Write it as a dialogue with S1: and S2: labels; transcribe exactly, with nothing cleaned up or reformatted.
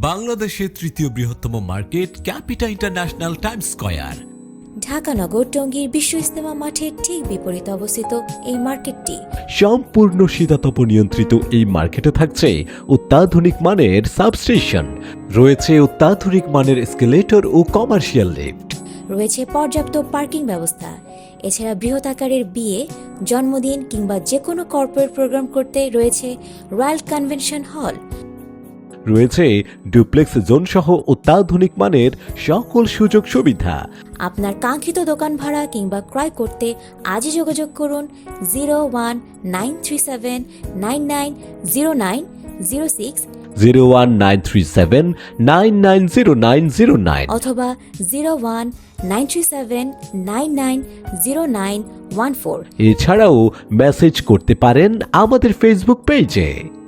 S1: বাংলাদেশের তৃতীয় বৃহত্তম market capita international Times Square.
S2: Dhaka নগর টঙ্গীর বিশ্ব ইজতেমা মাঠের ঠিক বিপরীতে অবস্থিত এই মার্কেটটি
S3: সম্পূর্ণ শীতাতপ নিয়ন্ত্রিত এই মার্কেটে থাকছে অত্যাধুনিক মানের সাবস্টেশন, রয়েছে অত্যাধুনিক মানের এসকেলেটর ও কমার্শিয়াল লিফট,
S2: রয়েছে পর্যাপ্ত পার্কিং ব্যবস্থা। এছাড়া বৃহৎ আকারের বিয়ে, জন্মদিন কিংবা যে কোনো কর্পোরেট প্রোগ্রাম করতে রয়েছে রয়্যাল কনভেনশন হল।
S3: রয়েছে ডুপ্লেক্স জোন সহ অত্যাধুনিক মানের সকল সুযোগ সুবিধা।
S2: আপনার কাঙ্ক্ষিত দোকান ভাড়া কিংবা ক্রয় করতে আজই যোগাযোগ করুন zero one nine three seven nine nine zero nine zero six
S3: zero one nine three seven nine nine zero nine zero nine
S2: অথবা zero one nine three seven nine nine zero nine one four.
S3: এছাড়াও message করতে পারেন আমাদের Facebook পেজে।